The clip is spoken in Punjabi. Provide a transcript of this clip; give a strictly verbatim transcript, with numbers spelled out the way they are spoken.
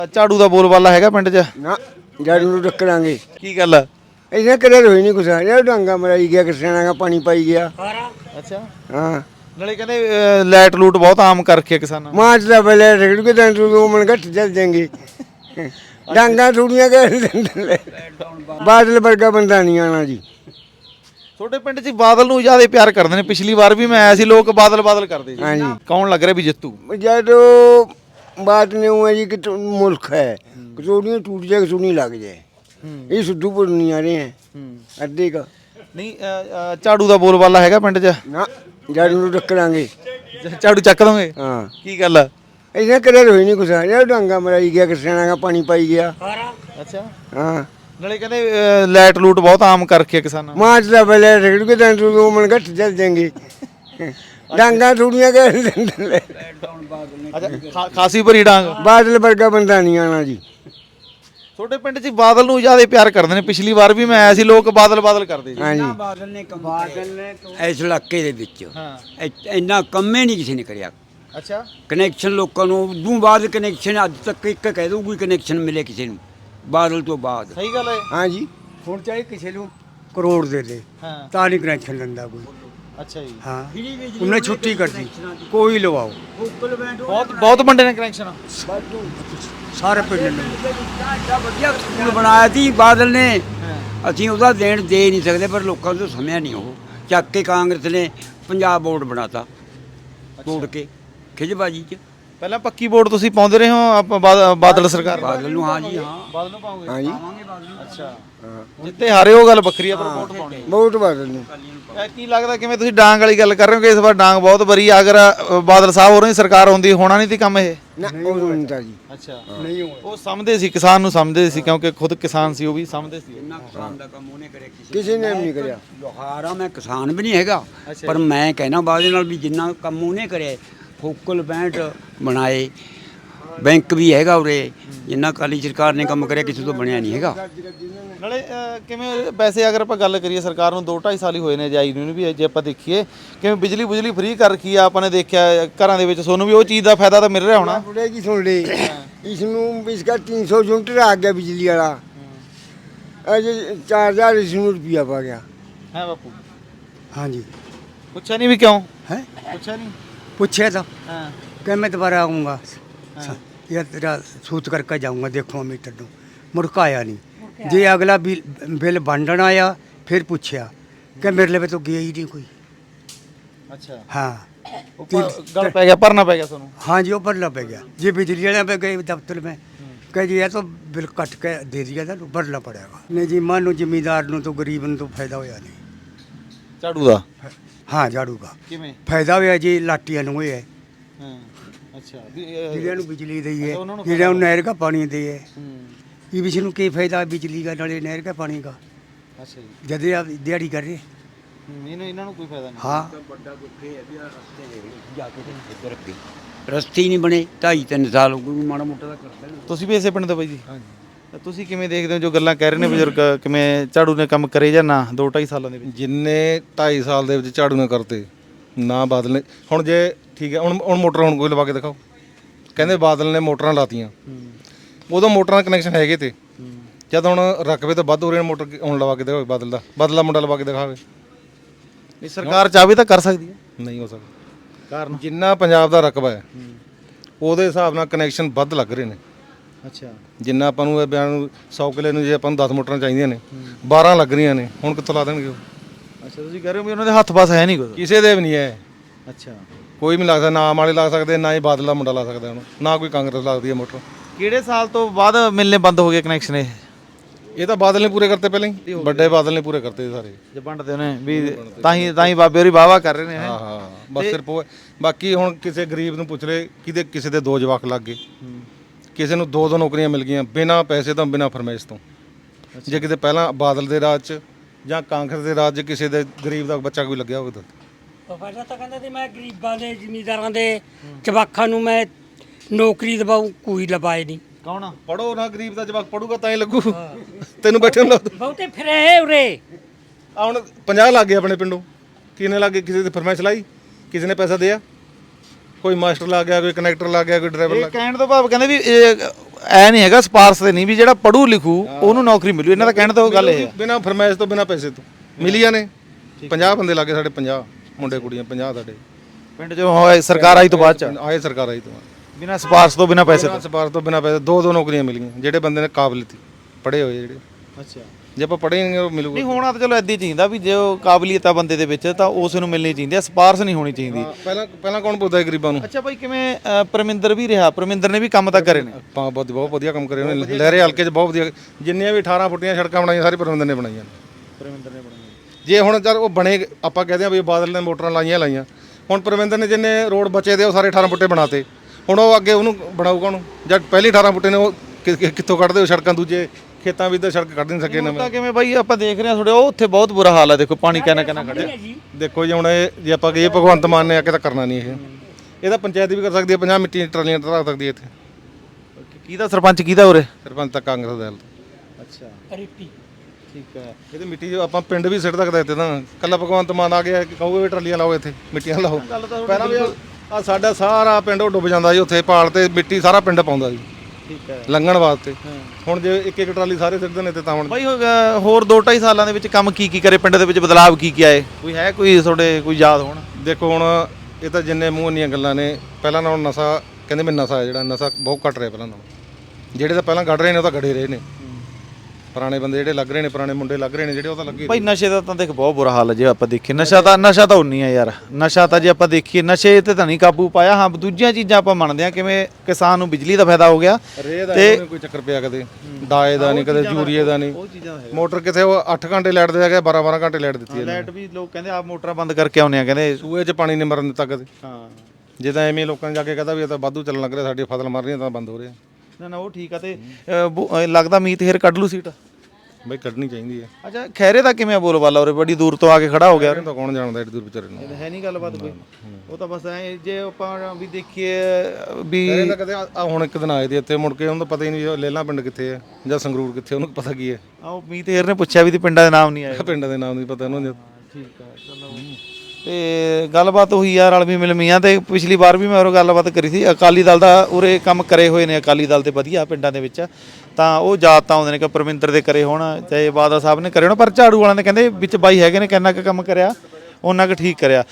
ਝਾੜੂ ਦਾ ਬੋਲਬਾਲਾ ਹੈਗਾ ਪਿੰਡ 'ਚ? ਨਾ ਝਾੜੂ ਨੂੰ ਟੱਕਰਾਂਗੇ। ਕੀ ਗੱਲ ਆ? ਇਹਨੇ ਕਰਿਆ ਹੋਈ ਨਹੀਂ ਕੁਛ, ਇਹ ਡਾਂਗਾ ਮਰਾਈ ਗਿਆ, ਕਿਸਾਨਾਂ ਦਾ ਪਾਣੀ ਪਾਈ ਗਿਆ। ਅੱਛਾ, ਹਾਂ ਨਾਲੇ ਕਹਿੰਦੇ ਅਹ, ਲਾਈਟ ਲੂਟ ਬਹੁਤ ਆਮ ਕਰ ਰੱਖੀ ਆ ਕਿਸਾਨਾਂ ਨੇ। ਮਾਰਚ ਦਾ ਪਹਿਲੇ ਰਗੜ ਕੇ ਤਾਂ ਦੋ ਮਣ ਘੱਟ ਚੱਲ ਜਾਣਗੇ। ਡਾਂਗਾ ਥੋੜੀਆਂ ਕਰ ਬਾਦਲ ਵਰਗਾ ਬੰਦਾ ਨਹੀਂ ਆਣਾ ਜੀ। ਤੁਹਾਡੇ ਪਿੰਡ 'ਚ ਬਾਦਲ ਨੂੰ ਜ਼ਿਆਦਾ ਪਿਆਰ ਕਰਦੇ ਨੇ। ਪਿਛਲੀ ਵਾਰ ਵੀ ਮੈਂ ਆਇਆ ਸੀ, ਲੋਕ ਬਾਦਲ ਬਾਦਲ ਕਰਦੇ ਸੀ। ਹਾਂਜੀ। ਕੌਣ ਲੱਗ ਰਿਹਾ ਵੀ ਜਿੱਤੂ? ਜਦੋਂ ਬਾਤ ਨੇ ਉਹ ਹੈ ਜੀ ਕਿ ਮੁल्क है, कचौड़ियाँ टूट जाए कचौड़ी लग जाए, ये सिद्धूपुर नहीं आ रहे हैं अड्डे का। ਨਹੀਂ ਅਹ, ਅਹ, ਝਾੜੂ ਦਾ ਬੋਲਬਾਲਾ ਹੈਗਾ ਪਿੰਡ 'ਚ? ਨਾ ਝਾੜੂ ਨੂੰ ਟੱਕਰਾਂਗੇ। ਝਾੜੂ ਚੱਕ ਦੋਗੇ? ਹਾਂ ਕੀ ਗੱਲ ਆ? ਇਹਨੇ ਕਰਿਆ ਹੋਈ ਨਹੀਂ ਕੁਛ, ਇਹ ਡਾਂਗਾ ਮਰਾਈ ਗਿਆ, ਕਿਸਾਨਾਂ ਦਾ ਪਾਣੀ ਪਾਈ ਗਿਆ। ਅੱਛਾ, ਹਾਂ ਨਾਲੇ ਕਹਿੰਦੇ ਅਹ, ਲਾਈਟ ਲੂਟ ਬਹੁਤ ਆਮ ਕਰ ਰੱਖੀ ਆ ਕਿਸਾਨਾਂ ਨੇ। ਮਾਰਚ ਦਾ ਪਹਿਲੇ ਰਗੜ ਕੇ ਤਾਂ ਦੋ ਮਣ ਘੱਟ ਚੱਲ ਜਾਣਗੇ। ਡਾਂਗਾ ਥੋੜੀਆਂ ਕਰ ਅੱਛਾ, ਖਾ- ਖਾਸੀ ਭਰੀ ਡਾਂਗ। ਬਾਦਲ ਵਰਗਾ ਬੰਦਾ ਨਹੀਂ ਆਣਾ ਜੀ। ਤੁਹਾਡੇ ਪਿੰਡ 'ਚ ਬਾਦਲ ਨੂੰ ਜ਼ਿਆਦਾ ਪਿਆਰ ਕਰਦੇ ਨੇ। ਪਿਛਲੀ ਵਾਰ ਵੀ ਮੈਂ ਆਇਆ ਸੀ, ਲੋਕ ਬਾਦਲ ਬਾਦਲ ਕਰਦੇ ਸੀ। ਹਾਂਜੀ ਬਾਦਲ ਨੇ ਕੰਮ ਬਾਦਲ ਨੇ ਇਸ ਇਲਾਕੇ ਦੇ ਵਿੱਚ ਹਾਂ। ਇ- ਇੰਨਾ ਕੰਮੇ ਨਹੀਂ ਕਿਸੇ ਨੇ ਕਰਿਆ। ਅੱਛਾ, ਕਨੈਕਸ਼ਨ ਲੋਕਾਂ ਨੂੰ ਉਦੋਂ ਬਾਅਦ ਕਨੈਕਸ਼ਨ ਅੱਜ ਤੱਕ ਇੱਕ ਕਹਿ ਦੋ ਕੋਈ ਕਨੈਕਸ਼ਨ ਮਿਲੇ ਕਿਸੇ ਨੂੰ ਬਾਦਲ ਤੋਂ ਬਾਅਦ। ਸਹੀ ਗੱਲ ਹੈ। ਹਾਂਜੀ ਹੁਣ ਚਾਹੇ ਕਿਸੇ ਨੂੰ ਕਰੋੜ ਦੇ ਦੇ ਹਾਂ, ਤਾਂ ਨਹੀਂ ਕਨੈਕਸ਼ਨ ਦਿੰਦਾ ਕੋਈ। ਅੱਛਾ ਜੀ। ਹਾਂ ਉਹਨੇ ਛੁੱਟੀ ਕਰਦੀ, ਕੋਈ ਲਵਾਓ ਬਹੁਤ ਬਹੁਤ ਬੰਦੇ ਨੇ ਕਨੈਕਸ਼ਨ। ਸਾਰੇ ਪਿੰਡ ਨੂੰ। ਐਡਾ ਵਧੀਆ ਸਕੂਲ ਬਣਾਇਆ ਸੀ ਬਾਦਲ ਨੇ, ਅਸੀਂ ਉਹਦਾ ਦੇਣ ਦੇ ਨਹੀਂ ਸਕਦੇ, ਪਰ ਲੋਕਾਂ ਤੋਂ ਸਮਿਆ ਨਹੀਂ। ਉਹ ਚੱਕ ਕੇ ਕਾਂਗਰਸ ਨੇ ਪੰਜਾਬ ਬੋਰਡ ਬਣਾਤਾ, ਤੋੜ ਕੇ ਖਿਜਬਾਜੀ ਚ। ਪਹਿਲਾਂ ਪੱਕੀ ਵੋਟ ਤੁਸੀਂ ਪਾਉਂਦੇ ਰਹੇ ਹੋ ਆਪਾਂ ਬਾਦ- ਬਾਦਲ ਸਰਕਾਰ ਨੂੰ? ਬਾਦਲ ਨੂੰ, ਹਾਂ ਜੀ ਹਾਂ। ਬਾਦਲ ਨੂੰ ਪਾਉਂਗੇ? ਹਾਂਜੀ ਅੱਛਾ, ਜਿੱਤੇ ਹਾਰੇ ਉਹ ਗੱਲ ਵੱਖਰੀ ਆ, ਪਰ ਵੋਟ ਪਾਉਣੀ। ਬਹੁਤ ਬਾਦਲ ਨੂੰ। ਇਹ ਕੀ ਲੱਗਦਾ ਕਿਵੇਂ ਤੁਸੀਂ ਡਾਂਗ ਵਾਲੀ ਗੱਲ ਕਰ ਰਹੇ ਹੋ ਕਿ ਇਸ ਵਾਰ ਡਾਂਗ ਬਹੁਤ ਬਰੀ ਆ? ਅਗਰ ਅ, ਬਾਦਲ ਸਾਹਿਬ ਹੋਰਾਂ ਦੀ ਸਰਕਾਰ ਹੁੰਦੀ ਹੋਣਾ ਨਹੀਂ ਸੀ ਕੰਮ ਇਹ? ਨਾ ਉਹ ਨਹੀਂ ਤਾਂ ਜੀ। ਅੱਛਾ, ਨਹੀਂ ਹੋਇਆ। ਉਹ ਸਮਝਦੇ ਸੀ, ਕਿਸਾਨ ਨੂੰ ਸਮਝਦੇ ਸੀ, ਕਿਉਂਕਿ ਖੁਦ ਕਿਸਾਨ ਸੀ, ਉਹ ਵੀ ਸਮਝਦੇ ਸੀ। ਇੰਨਾ ਕਿਸਾਨ ਦਾ ਕੰਮ ਉਹਨੇ ਕਰਿਆ ਕਿਸੇ ਨੇ ਵੀ ਨਹੀਂ ਕਰਿਆ। ਲੋਹਾਰਾ ਮੈਂ ਕਿਸਾਨ ਵੀ ਨਹੀਂ ਹੈਗਾ, ਅੱਛਾ ਪਰ ਮੈਂ ਕਹਿਣਾ ਬਾਅਦ ਨਾਲ ਵੀ ਜਿੰਨਾ ਕੰਮ ਉਹਨੇ ਕਰਿਆ, ਫੋਕਲ ਪੁਆਇੰਟ ਬਣਾਏ, ਬੈਂਕ ਵੀ ਹੈਗਾ ਉਰੇ, ਜਿੰਨਾ ਅਕਾਲੀ ਸਰਕਾਰ ਨੇ ਕੰਮ ਕਰਿਆ ਕਿਸੇ ਤੋਂ ਬਣਿਆ ਨਹੀਂ ਹੈਗਾ। ਨਾਲੇ ਅ, ਕਿਵੇਂ ਵੈਸੇ ਅਗਰ ਆਪਾਂ ਗੱਲ ਕਰੀਏ, ਸਰਕਾਰ ਨੂੰ ਦੋ ਢਾਈ ਸਾਲ ਹੀ ਹੋਏ ਨੇ ਜਾਈ ਨੂੰ ਵੀ, ਜੇ ਆਪਾਂ ਦੇਖੀਏ ਕਿਵੇਂ ਬਿਜਲੀ ਬੁਜਲੀ ਫ੍ਰੀ ਕਰ ਰੱਖੀ ਆ। ਆਪਾਂ ਨੇ ਦੇਖਿਆ ਘਰਾਂ ਦੇ ਵਿੱਚ ਤੁਹਾਨੂੰ ਵੀ ਉਹ ਚੀਜ਼ ਦਾ ਫਾਇਦਾ ਤਾਂ ਮਿਲ ਰਿਹਾ ਹੋਣਾ। बुढ़े की सुन ले, इसमें इसका तीन सौ यूनिट आ गया बिजली वाला, अजे चार हजार इसमें रुपया पा गया। ਹੈ ਬਾਪੂ? ਹਾਂਜੀ ਪੁੱਛਿਆ ਨਹੀਂ ਵੀ ਕਿਉਂ? ਹੈ ਪੁੱਛਿਆ ਨਹੀਂ? पूछे तो ਹਾਂ, कि मैं दोबारा आऊँगा या तेरा सूत करके जाऊँगा, देखो मीटर ਨੂੰ ਮੁੜਕਾ ਆਇਆ ਨਹੀਂ। ਜੇ ਅਗਲਾ ਬਿੱਲ ਬਿੱਲ ਵੰਡਣ ਆਇਆ ਫਿਰ ਪੁੱਛਿਆ ਕਿ ਮੇਰੇ ਲਈ ਤਾਂ ਗਿਆ ਹੀ ਨਹੀਂ ਕੋਈ। ਅੱਛਾ, हाँ ਉਹ ਪ- ਗੱਲ ਪੈ ਗਿਆ, ਭਰਨਾ ਪੈ ਗਿਆ ਤੁਹਾਨੂੰ। हाँ जी वो भरना पे गया जी। बिजली वाले पे गए दफ्तर में, कह जी ये तो बिल कट के दे दिया था, भरना पड़ेगा। नहीं जी मानो जिम्मेदार ਨੂੰ तो गरीब ਨੂੰ तो फायदा होया नहीं। ਝਾੜੂ ਦਾ हाँ झाड़ू का ਕਿਵੇਂ? फायदा होया जी लाटियां ਨੂੰ होया, ਹਾਂ, ਅੱਛਾ ਵੀ ਇਹ- ਜਿਹਨਾਂ ਨੂੰ ਬਿਜਲੀ ਦਈ ਹੈ, ਅੱਛਾ, ਉਹਨਾਂ ਨੂੰ ਜਿਹਨਾਂ ਨੂੰ ਨਹਿਰ ਦਾ ਪਾਣੀ ਦੇ ਹੈ, ਹੂੰ, ये भी ਨੂੰ ਕੀ फायदा बिजली का नाले नहर का पानी का, ਅੱਛਾ ਜੀ। जब आप दिहाड़ी कर रहे। ਹੂੰ, ਇਹਨੂੰ ਇਹਨਾਂ ਨੂੰ ਕੋਈ ਫਾਇਦਾ ਨਹੀਂ। हाँ ਵੱਡਾ ਦੁੱਖ ਇਹ ਹੈ ਵੀ ਆਹ ਰਸਤੇ ਦੇਖ ਲਓ, ਜਾ ਕੇ ਤੇ ਇੱਧਰ ਅੱਗੇ ਰਸਤੇ ਹੀ ਨਹੀਂ ਬਣੇ, ਢਾਈ ਤਿੰਨ ਸਾਲ ਹੋ ਗਏ, ਮਾੜਾ ਮੋਟਾ ਦਾ ਕਰਦਾ ਨਾ। ਤੁਸੀਂ ਵੀ ਇਸੇ ਪਿੰਡ ਤੋਂ ਬਾਈ ਜੀ? ਹਾਂਜੀ। ਤੁਸੀਂ ਕਿਵੇਂ ਦੇਖਦੇ ਹੋ ਜੋ ਗੱਲਾਂ ਕਹਿ ਰਹੇ ਨੇ ਬਜ਼ੁਰਗ, ਕਿਵੇਂ ਝਾੜੂ ਨੇ ਕੰਮ ਕਰੇ ਜਾਂ ਨਾ ਦੋ ਢਾਈ ਸਾਲਾਂ ਦੇ ਵਿੱਚ? ਜਿੰਨੇ ਢਾਈ ਸਾਲ ਦੇ ਵਿੱਚ ਝਾੜੂ ਨੇ ਕਰਤੇ ਨਾ ਬਾਦਲ ਨੇ। ਹੁਣ ਜੇ ਠੀਕ ਹੈ, ਹੁਣ ਹੁਣ ਮੋਟਰ ਹੁਣ ਕੋਈ ਲਵਾ ਕੇ ਦਿਖਾਓ। ਕਹਿੰਦੇ ਬਾਦਲ ਨੇ ਮੋਟਰਾਂ ਲਾਤੀਆਂ, ਉਦੋਂ ਮੋਟਰਾਂ ਕਨੈਕਸ਼ਨ ਹੈਗੇ ਤੇ ਜਦ ਹੁਣ ਰਕਬੇ ਤੋਂ ਵੱਧ ਹੋ ਰਹੇ ਨੇ, ਮੋਟਰ ਹੁਣ ਲਵਾ ਕੇ ਦਿਖਾਓ। ਬਾਦਲ ਦਾ ਬਾਦਲ ਦਾ ਮੁੰਡਾ ਲਵਾ ਕੇ ਦਿਖਾਵੇ। ਇਹ ਸਰਕਾਰ ਚਾਹਵੇ ਤਾਂ ਕਰ ਸਕਦੀ ਹੈ। ਨਹੀਂ ਹੋ ਸਕਦਾ, ਕਾਰਨ? ਜਿੰਨਾ ਪੰਜਾਬ ਦਾ ਰਕਬਾ ਹੈ ਉਹਦੇ ਹਿਸਾਬ ਨਾਲ ਕਨੈਕਸ਼ਨ ਵੱਧ ਲੱਗ ਰਹੇ ਨੇ। ਅੱਛਾ, ਜਿੰਨਾ ਆਪਾਂ ਨੂੰ ਇਹ ਬਿਆਨ ਨੂੰ ਸੌ ਕਿਲੇ ਨੂੰ ਜੇ ਆਪਾਂ ਨੂੰ ਦਸ ਮੋਟਰਾਂ ਚਾਹੀਦੀਆਂ ਨੇ, ਬਾਰਾਂ ਲੱਗ ਰਹੀਆਂ ਨੇ, ਹੁਣ ਕਿੱਥੋਂ ਲਾ ਦੇਣਗੇ ਉਹ? ਅੱਛਾ, ਤੁਸੀਂ ਕਹਿ ਰਹੇ ਹੋ ਵੀ ਉਹਨਾਂ ਦੇ ਹੱਥ ਪਾਸ ਹੈ ਨਹੀਂ ਕੁਝ? ਕਿਸੇ ਦੇ ਵੀ ਨਹੀਂ ਹੈ, ਅੱਛਾ, ਕੋਈ ਵੀ ਲਾ ਸਕਦਾ, ਨਾ ਆਮ ਵਾਲੇ ਲਾ ਸਕਦੇ, ਨਾ ਹੀ ਬਾਦਲ ਦਾ ਮੁੰਡਾ ਲਾ ਸਕਦਾ ਉਹਨੂੰ, ਨਾ ਕੋਈ ਕਾਂਗਰਸ ਲੱਗਦੀ ਹੈ ਮੋਟਰ। ਕਿਹੜੇ ਸਾਲ ਤੋਂ ਬਾਅਦ ਮਿਲਨੇ ਬੰਦ ਹੋ ਗਏ ਕਨੈਕਸ਼ਨ? ਇਹ ਇਹ ਤਾਂ ਬਾਦਲ ਨੇ ਪੂਰੇ ਕਰਤੇ ਪਹਿਲਾਂ ਹੀ, ਵੱਡੇ ਬਾਦਲ ਨੇ ਪੂਰੇ ਕਰਤੇ ਸਾਰੇ। ਜੇ ਵੰਡਦੇ ਉਹਨੇ ਵੀ ਤਾਂ ਹੀ ਤਾਂ ਹੀ ਬਾਬੇ ਹੋਰੀ ਵਾਹਵਾ ਕਰ ਰਹੇ ਨੇ। ਹਾਂ ਹਾਂ, ਬਸ ਸਿਰਫ ਉਹ ਹੈ। ਬਾਕੀ ਹੁਣ ਕਿਸੇ ਗਰੀਬ ਨੂੰ ਪੁੱਛ ਲੈ, ਕਿਤੇ ਕਿਸੇ ਦੇ ਦੋ ਜਵਾਕ ਲੱਗ ਗਏ, ਕਿਸੇ ਨੂੰ ਦੋ ਦੋ ਨੌਕਰੀਆਂ ਮਿਲ ਗਈਆਂ ਬਿਨਾਂ ਪੈਸੇ ਤੋਂ, ਬਿਨਾਂ ਫਰਮਾਇਸ਼ ਤੋਂ। ਜੇ ਕਿਤੇ ਪਹਿਲਾਂ ਬਾਦਲ ਦੇ ਰਾਜ 'ਚ ਜਾਂ ਕਾਂਗਰਸ ਦੇ ਰਾਜ 'ਚ ਕਿਸੇ ਦੇ ਗਰੀਬ ਦਾ ਬੱਚਾ ਕੋਈ ਲੱਗਿਆ ਹੋਵੇ ਤਾਂ ਪਹਿਲਾਂ ਤਾਂ ਕਹਿੰਦਾ ਸੀ ਮੈਂ ਗਰੀਬਾਂ ਦੇ ਜ਼ਿਮੀਂਦਾਰਾਂ ਦੇ ਜਵਾਕਾਂ ਨੂੰ ਮੈਂ ਨੌਕਰੀ ਦਿਵਾਉ, ਕੋਈ ਲਵਾਏ ਨਹੀਂ। ਕੌਣ? ਪੜੋ ਨਾ, ਗਰੀਬ ਦਾ ਜਵਾਕ ਪੜੂਗਾ ਤਾਂ ਹੀ ਲੱਗੂ। ਤੈਨੂੰ ਬੈਠੇ ਨੂੰ ਬਹੁਤੇ ਫਿਰੇ ਉਰੇ। ਆ ਹੁਣ ਪੰਜਾਹ ਲੱਗ ਗਏ ਆਪਣੇ ਪਿੰਡੋਂ, ਕਿੰਨੇ ਲੱਗ ਗਏ? ਕਿਸੇ ਦੀ ਫਰਮਾਇਸ਼ ਲਾਈ, ਕਿਸੇ ਨੇ ਪੈਸਾ ਦਿਆ? ਕੋਈ ਮਾਸਟਰ ਲੱਗ ਗਿਆ, ਕੋਈ ਕਨੈਕਟਰ ਲੱਗ ਗਿਆ, ਕੋਈ ਡਰਾਈਵਰ ਇਹ ਲੱਗ ਗਿਆ। ਕਹਿਣ ਤੋਂ ਭਾਵ ਕਹਿੰਦੇ ਵੀ ਇਹ ਐ ਨਹੀਂ ਹੈਗਾ ਸਪਾਰਸ ਤੇ ਨਹੀਂ ਵੀ ਜਿਹੜਾ ਪੜੂ ਲਿਖੂ ਉਹਨੂੰ ਨੌਕਰੀ ਮਿਲੂ, ਇਹਨਾਂ ਦਾ ਕਹਿਣ ਤੋਂ ਗੱਲ ਇਹ ਹੈ। ਬਿਨਾ ਫਰਮਾਇਸ਼ ਤੋਂ ਬਿਨਾ ਪੈਸੇ ਤੋਂ ਮਿਲੀਆਂ ਨੇ। ਪੰਜਾਹ ਬੰਦੇ ਲੱਗੇ ਸਾਡੇ, ਪੰਜਾਹ ਮੁੰਡੇ ਕੁੜੀਆਂ ਪੰਜਾਹ ਸਾਡੇ ਪਿੰਡ 'ਚ ਹੋਏ ਸਰਕਾਰ ਆਈ ਤੋਂ ਬਾਅਦ ਚ ਆਏ ਸਰਕਾਰ ਆਈ ਤੋਂ ਬਿਨਾਂ ਸਪਾਰਸ ਤੋਂ ਬਿਨਾਂ ਪੈਸੇ ਬਿਨਾਂ ਸਿਫਾਰਸ਼ ਤੋਂ ਬਿਨਾ ਪੈਸੇ ਦੋ ਦੋ ਨੌਕਰੀਆਂ ਮਿਲੀਆਂ ਜਿਹੜੇ ਬੰਦੇ ਨੇ ਕਾਬਲੀਅਤ ਪੜ੍ਹੇ ਹੋਏ ਜਿਹੜੇ। ਅੱਛਾ ਜੇ ਆਪਾਂ ਪੜ੍ਹੇ ਨਹੀਂ ਉਹ ਮਿਲੂਗਾ ਨਹੀਂ ਹੋਣਾ ਤਾਂ ਚਲੋ ਐਦੀ ਚਾਹੀਦਾ ਵੀ ਜੇ ਉਹ ਕਾਬਲੀਅਤ ਆ ਬੰਦੇ ਦੇ ਵਿੱਚ ਤਾਂ ਉਸ ਨੂੰ ਮਿਲਣੀ ਚਾਹੀਦੀ ਹੈ, ਸਪਾਰਸ ਨਹੀਂ ਹੋਣੀ ਚਾਹੀਦੀ। ਪਹਿਲਾਂ ਪਹਿਲਾਂ ਕੌਣ ਪੁੱਛਦਾ ਸੀ ਗਰੀਬਾਂ ਨੂੰ? ਅੱਛਾ ਭਾਈ ਕਿਵੇਂ ਅ, ਪਰਮਿੰਦਰ ਵੀ ਰਿਹਾ, ਪਰਮਿੰਦਰ ਨੇ ਵੀ ਕੰਮ ਤਾਂ ਕਰੇ ਨੇ। ਆਪਾਂ ਬਹੁਤ ਬਹੁਤ ਵਧੀਆ ਕੰਮ ਕਰੇ ਉਹਨੇ, ਲਹਿਰੇ ਹਲਕੇ 'ਚ ਬਹੁਤ ਵਧੀਆ ਜਿੰਨੀਆਂ ਵੀ ਅਠਾਰਾਂ ਫੁੱਟੀਆਂ ਸੜਕਾਂ ਬਣਾਈਆਂ ਸਾਰੀ ਪਰਮਿੰਦਰ ਨੇ ਬਣਾਈਆਂ ਨੇ। ਪਰਮਿੰਦਰ ਨੇ ਬਣਾਈ। ਜੇ ਹੁਣ ਚੱਲ ਉਹ ਬਣੇ ਆਪਾਂ ਕਹਦੇ ਆ ਵੀ ਬਾਦਲ ਨੇ ਮੋਟਰਾਂ ਲਾਈਆਂ ਲਾਈਆਂ, ਹੁਣ ਪਰਮਿੰਦਰ ਨੇ ਜਿੰਨੇ ਰੋਡ ਬਚੇ ਦੇ ਉਹ ਸਾਰੇ ਅਠਾਰਾਂ ਫੁੱਟੇ ਬਣਾਤੇ, ਹੁਣ ਉਹ ਅੱਗੇ ਉਹਨੂੰ ਬਣਾਊਗਾ ਉਹਨੂੰ ਜਦ ਪਹਿਲੀ ਅਠਾਰਾਂ ਫੁੱਟੇ ਨੇ ਉਹ ਕਿ- ਕਿ- ਕਿੱਥੋਂ ਕੱਢਦੇ ਉਹ ਸੜਕਾਂ, ਦੂਜੇ ਖੇਤਾਂ ਵਿੱਚ ਤਾਂ ਸੜਕ ਕੱਢ ਨਹੀਂ ਸਕੇ ਨਵੇਂ। ਤਾਂ ਕਿਵੇਂ ਭਾਈ ਆਪਾਂ ਦੇਖ ਰਹੇ ਹਾਂ ਤੁਹਾਡੇ ਉਹ ਉੱਥੇ ਬਹੁਤ ਬੁਰਾ ਹਾਲ ਹੈ, ਦੇਖੋ ਪਾਣੀ ਕਿੰਨਾ ਕਿੰਨਾ ਖੜਿਆ। ਦੇਖੋ ਜੀ ਹੁਣ ਇਹ ਜੇ ਆਪਾਂ ਕਹੀਏ ਭਗਵੰਤ ਮਾਨ ਨੇ ਆ ਕੇ ਤਾਂ ਕਰਨਾ ਨਹੀਂ ਇਹ, ਇਹਦਾ ਪੰਚਾਇਤ ਵੀ ਕਰ ਸਕਦੀ ਹੈ, ਪੰਜਾਹ ਮਿੱਟੀ ਦੀਆਂ ਟਰਾਲੀਆਂ ਰੱਖ ਸਕਦੀ ਹੈ ਇੱਥੇ। ਕਿਹਦਾ ਸਰਪੰਚ ਕਿਹਦਾ ਉਰੇ? ਸਰਪੰਚ ਤਾਂ ਕਾਂਗਰਸ ਦਾ ਹੈ। ਅੱਛਾ ਰਿੱਪੀ ਠੀਕ ਹੈ। ਇਹਦੇ ਮਿੱਟੀ ਜੋ ਆਪਾਂ ਪਿੰਡ ਵੀ ਸਿੱਟ ਸਕਦਾ ਇੱਥੇ, ਤਾਂ ਕੱਲਾ ਭਗਵੰਤ ਮਾਨ ਆ ਗਿਆ ਕਿ ਕਹੂਗੇ ਵੀ ਟਰਾਲੀਆਂ ਲਾਓ ਇੱਥੇ ਮਿੱਟੀਆਂ ਲਾਓ। ਪਹਿਲਾਂ ਵੀ ਆ ਸਾਡਾ ਸਾਰਾ ਪਿੰਡ ਉਹ ਡੁੱਬ ਜਾਂਦਾ ਜੀ ਉੱਥੇ ਪਾਲ ਤੇ ਮਿੱਟੀ ਸਾਰਾ ਪਿੰਡ ਪਾਉਂਦਾ ਜੀ ਠੀਕ ਹੈ ਲੰਘਣ ਵਾਸਤੇ। ਹੁਣ ਜੇ ਇੱਕ ਇੱਕ ਟਰਾਲੀ ਸਾਰੇ ਸਿੱਟਦੇ ਨੇ ਤੇ ਤਾਂ ਹੁਣ ਭਾਈ ਹੋ ਗਿਆ ਹੋਰ ਦੋ ਢਾਈ ਸਾਲਾਂ ਦੇ ਵਿੱਚ ਕੰਮ ਕੀ ਕੀ ਕਰੇ ਪਿੰਡ ਦੇ ਵਿੱਚ, ਬਦਲਾਵ ਕੀ ਕੀ ਆਏ, ਕੋਈ ਹੈ ਕੋਈ ਤੁਹਾਡੇ ਕੋਈ ਯਾਦ ਹੋਣ? ਦੇਖੋ ਹੁਣ ਇਹ ਤਾਂ ਜਿੰਨੇ ਮੂੰਹ ਇੰਨੀਆਂ ਗੱਲਾਂ ਨੇ। ਪਹਿਲਾਂ ਨਾਲੋਂ ਨਸ਼ਾ ਕਹਿੰਦੇ ਮੈਂ ਨਸ਼ਾ ਹੈ ਜਿਹੜਾ ਨਸ਼ਾ ਬਹੁਤ ਘਟ ਰਿਹਾ ਪਹਿਲਾਂ ਨਾਲੋਂ। ਜਿਹੜੇ ਤਾਂ ਪਹਿਲਾਂ ਕੱਢ ਰਹੇ ਨੇ ਉਹ ਤਾਂ ਗੜੇ ਰਹੇ ਨੇ, ਪੁਰਾਣੇ ਬੰਦੇ ਜਿਹੜੇ ਲੱਗ ਰਹੇ ਨੇ, ਪੁਰਾਣੇ ਮੁੰਡੇ ਲੱਗ ਰਹੇ ਨੇ ਜਿਹੜੇ ਉਹ ਤਾਂ ਲੱਗੇ। ਭਾਈ ਨਸ਼ੇ ਦਾ ਤਾਂ ਦੇਖ ਬਹੁਤ ਬੁਰਾ ਹਾਲ ਹੈ ਜੇ ਆਪਾਂ ਦੇਖੀਏ। ਨਸ਼ਾ ਤਾਂ ਨਸ਼ਾ ਤਾਂ ਉਨੀ ਆ ਯਾਰ, ਨਸ਼ਾ ਤਾਂ ਜੇ ਆਪਾਂ ਦੇਖੀਏ ਨਸ਼ੇ ਤੇ ਤਾਂ ਨਹੀਂ ਕਾਬੂ ਪਾਇਆ। ਹਾਂ ਦੂਜੀਆਂ ਚੀਜ਼ਾਂ ਆਪਾਂ ਮੰਨਦੇ ਹਾਂ, ਕਿਵੇਂ ਕਿਸਾਨ ਨੂੰ ਬਿਜਲੀ ਦਾ ਫਾਇਦਾ ਹੋ ਗਿਆ ਰੇਹ ਦਾ ਨਹੀਂ ਕੋਈ ਚੱਕਰ ਪਿਆ, ਕਦੇ ਡਾਏ ਦਾ ਨਹੀਂ, ਕਦੇ ਯੂਰੀਏ ਦਾ ਨਹੀਂ। ਚੀਜ਼ਾਂ ਮੋਟਰ ਕਿਥੇ ਉਹ ਅੱਠ ਘੰਟੇ ਲਾਈਟ ਦੇ ਹੈਗੇ, ਬਾਰਾਂ ਬਾਰਾਂ ਘੰਟੇ ਲਾਈਟ ਦਿੱਤੀ ਹੈ। ਲਾਈਟ ਵੀ ਲੋਕ ਕਹਿੰਦੇ ਆਪ ਮੋਟਰਾਂ ਬੰਦ ਕਰਕੇ ਆਉਂਦੇ ਆ, ਕਹਿੰਦੇ ਸੂਏ 'ਚ ਪਾਣੀ ਨਹੀਂ ਮਰਨ ਦਿੱਤਾ ਕਦੇ। ਹਾਂ ਜੇ ਤਾਂ ਐਵੇਂ ਲੋਕਾਂ ਨੇ ਜਾ ਕੇ ਕਹਦਾ ਵੀ ਇਹ ਤਾਂ ਵਾਧੂ ਚੱਲਣ ਲੱਗ ਰਿਹਾ, ਸਾਡੀ ਫਸਲ ਮਰ ਰਹੀ ਹੈ, ਤਾਂ ਬੰਦ ਹੋ ਰਿਹਾ। ਨਾ ਨਾ ਉਹ ਠੀਕ ਆ। ਤੇ ਅ, ਬੋ- ਅ, ਲੱਗਦਾ ਮੀਤ ਹੇਰ ਕੱਢ ਲੂ ਸੀਟ। ਬਈ ਕੱਢਣੀ ਚਾਹੀਦੀ ਹੈ। ਅੱਛਾ ਖੈਰੇ ਦਾ ਕਿਵੇਂ ਬੋਲਬਾਲਾ ਉਰੇ ਬੜੀ ਦੂਰ ਤੋਂ ਆ ਕੇ ਖੜਾ ਹੋ ਗਿਆ? ਇਹਨੂੰ ਤਾਂ ਕੌਣ ਜਾਣਦਾ ਏਡੀ ਦੂਰ ਵਿਚਾਰੇ ਨੂੰ। ਹੈ ਨਹੀਂ ਗੱਲਬਾਤ ਕੋਈ, ਉਹ ਤਾਂ ਬਸ ਐ ਜੇ ਆਪਾਂ ਵੀ ਦੇਖੀਏ ਵੀ ਇਹ ਤਾਂ ਕਦੇ ਆ ਹੁਣ ਇੱਕ ਦਿਨ ਆਏ ਦੇ ਇੱਥੇ, ਮੁੜ ਕੇ ਉਹਨੂੰ ਪਤਾ ਹੀ ਨਹੀਂ ਲੇਲਾ ਪਿੰਡ ਕਿੱਥੇ ਹੈ ਜਾਂ ਸੰਗਰੂਰ ਕਿੱਥੇ, ਉਹਨੂੰ ਪਤਾ ਕੀ ਹੈ। ਆਹ ਮੀਤ ਹੇਰ ਨੇ ਪੁੱਛਿਆ ਵੀ ਤੇ ਪਿੰਡਾਂ ਦੇ ਨਾਮ ਨਹੀਂ ਆਏ। ਪਿੰਡ ਦੇ ਨਾਮ ਨਹੀਂ ਪਤਾ ਉਹਨੂੰ। ਠੀਕ ਆ ਚਲੋ। ਤੇ ਗੱਲਬਾਤ ਹੋਈ ਯਾਰ ਰਲਵੀਂ ਮਿਲਵੀਆਂ ਤੇ ਪਿਛਲੀ ਵਾਰ ਵੀ ਮੈਂ ਉਹ ਗੱਲਬਾਤ ਕਰੀ ਸੀ। ਅਕਾਲੀ ਦਲ ਦਾ ਉਰੇ ਕੰਮ ਕਰੇ ਹੋਏ ਨੇ ਅਕਾਲੀ ਦਲ ਤੇ ਵਧੀਆ ਪਿੰਡਾਂ ਦੇ ਵਿੱਚ, ਤਾਂ ਉਹ ਯਾਦ ਤਾਂ ਆਉਂਦੇ ਨੇ ਕਿ ਪਰਮਿੰਦਰ ਦੇ ਕਰੇ ਹੋਣ ਚਾਹੇ ਬਾਦਲ ਸਾਹਿਬ ਨੇ ਕਰੇ ਹੋਣ, ਪਰ ਝਾੜੂ ਵਾਲਿਆਂ ਨੇ ਕਹਿੰਦੇ ਵਿੱਚ ਬਾਈ ਹੈਗੇ ਨੇ ਕਿੰਨਾ ਕੁ ਕੰਮ ਕਰਿਆ ਉਹਨਾਂ ਕੁ ਠੀਕ ਕਰਿਆ।